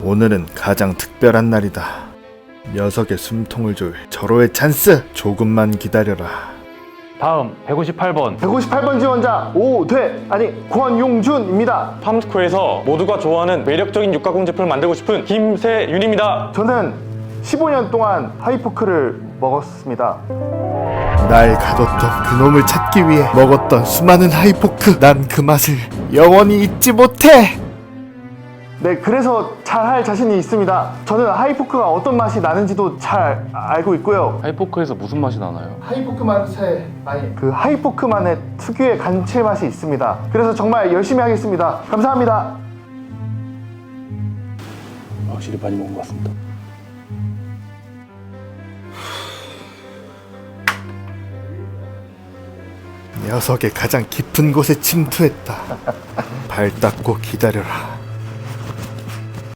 오늘은 가장 특별한 날이다. 녀석의 숨통을 조일 절호의 찬스! 조금만 기다려라. 다음 158번 158번 지원자 권용준입니다. 팜스코에서 모두가 좋아하는 매력적인 육가공 제품을 만들고 싶은 김세윤입니다. 저는 15년 동안 하이포크를 먹었습니다. 날 가뒀던 그놈을 찾기 위해 먹었던 수많은 하이포크. 난 그 맛을 영원히 잊지 못해. 네, 그래서 잘할 자신이 있습니다. 저는 하이포크가 어떤 맛이 나는지도 잘 알고 있고요. 하이포크에서 무슨 맛이 나나요? 그 하이포크만의 특유의 감칠맛이 있습니다. 그래서 정말 열심히 하겠습니다. 감사합니다. 확실히 많이 먹은 것 같습니다. 녀석의 가장 깊은 곳에 침투했다. 발 닦고 기다려라.